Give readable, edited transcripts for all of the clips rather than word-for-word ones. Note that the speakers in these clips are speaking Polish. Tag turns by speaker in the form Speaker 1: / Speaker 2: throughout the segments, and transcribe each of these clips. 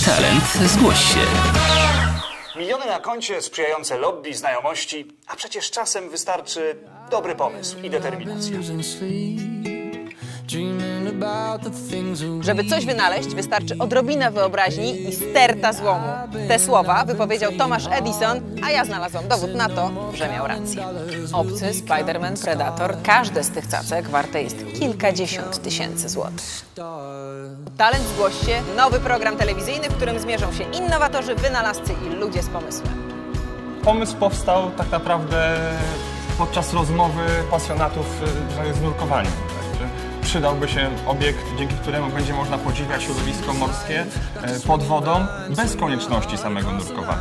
Speaker 1: Talent zgłoś się.
Speaker 2: Miliony na koncie, sprzyjające lobby, znajomości, a przecież czasem wystarczy dobry pomysł i determinacja.
Speaker 3: Żeby coś wynaleźć, wystarczy odrobina wyobraźni i sterta złomu. Te słowa wypowiedział Thomas Edison, a ja znalazłam dowód na to, że miał rację. Obcy, Spider-Man, Predator, każde z tych cacek warte jest kilkadziesiąt tysięcy złotych. Talent zgłoś się, nowy program telewizyjny, w którym zmierzą się innowatorzy, wynalazcy i ludzie z pomysłem.
Speaker 4: Pomysł powstał tak naprawdę podczas rozmowy pasjonatów z nurkowaniem. Przydałby się obiekt, dzięki któremu będzie można podziwiać środowisko morskie pod wodą, bez konieczności samego nurkowania.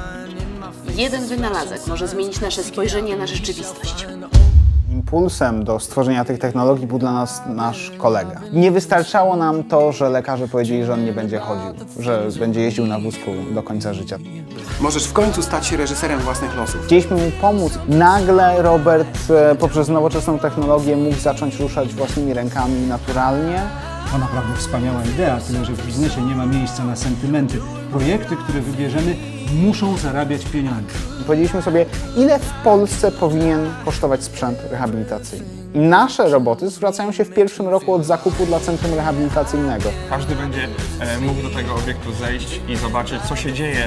Speaker 5: Jeden wynalazek może zmienić nasze spojrzenie na rzeczywistość.
Speaker 6: Impulsem do stworzenia tych technologii był dla nas nasz kolega. Nie wystarczało nam to, że lekarze powiedzieli, że on nie będzie chodził, że będzie jeździł na wózku do końca życia.
Speaker 7: Możesz w końcu stać się reżyserem własnych losów.
Speaker 6: Chcieliśmy mu pomóc. Nagle Robert poprzez nowoczesną technologię mógł zacząć ruszać własnymi rękami naturalnie.
Speaker 8: To naprawdę wspaniała idea, tyle że w biznesie nie ma miejsca na sentymenty. Projekty, które wybierzemy, muszą zarabiać pieniądze.
Speaker 6: I powiedzieliśmy sobie, ile w Polsce powinien kosztować sprzęt rehabilitacyjny. I nasze roboty zwracają się w pierwszym roku od zakupu dla centrum rehabilitacyjnego.
Speaker 4: Każdy będzie mógł do tego obiektu zejść i zobaczyć, co się dzieje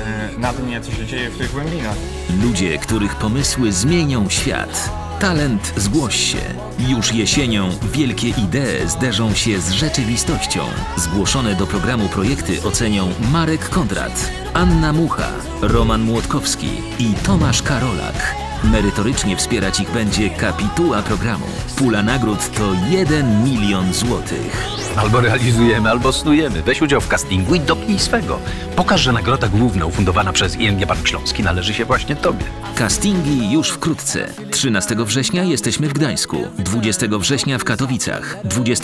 Speaker 4: na dnie, co się dzieje w tych głębinach.
Speaker 1: Ludzie, których pomysły zmienią świat. Talent zgłoś się. Już jesienią wielkie idee zderzą się z rzeczywistością. Zgłoszone do programu projekty ocenią Marek Kondrat, Anna Mucha, Roman Młotkowski i Tomasz Karolak. Merytorycznie wspierać ich będzie kapituła programu. Pula nagród to 1 milion złotych.
Speaker 9: Albo realizujemy, albo snujemy. Weź udział w castingu i dopnij swego. Pokaż, że nagroda główna ufundowana przez ING Bank Śląski należy się właśnie Tobie.
Speaker 1: Castingi już wkrótce. 13 września jesteśmy w Gdańsku, 20 września w Katowicach,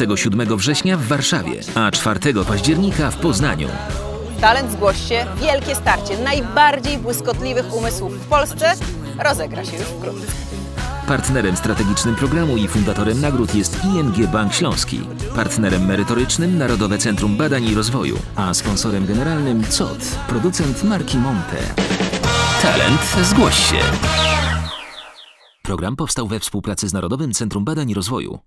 Speaker 1: 27 września w Warszawie, a 4 października w Poznaniu.
Speaker 3: Talent zgłoś się, wielkie starcie najbardziej błyskotliwych umysłów w Polsce rozegra się już wkrótce.
Speaker 1: Partnerem strategicznym programu i fundatorem nagród jest ING Bank Śląski. Partnerem merytorycznym Narodowe Centrum Badań i Rozwoju, a sponsorem generalnym COT, producent marki Monte. Talent zgłoś się. Program powstał we współpracy z Narodowym Centrum Badań i Rozwoju.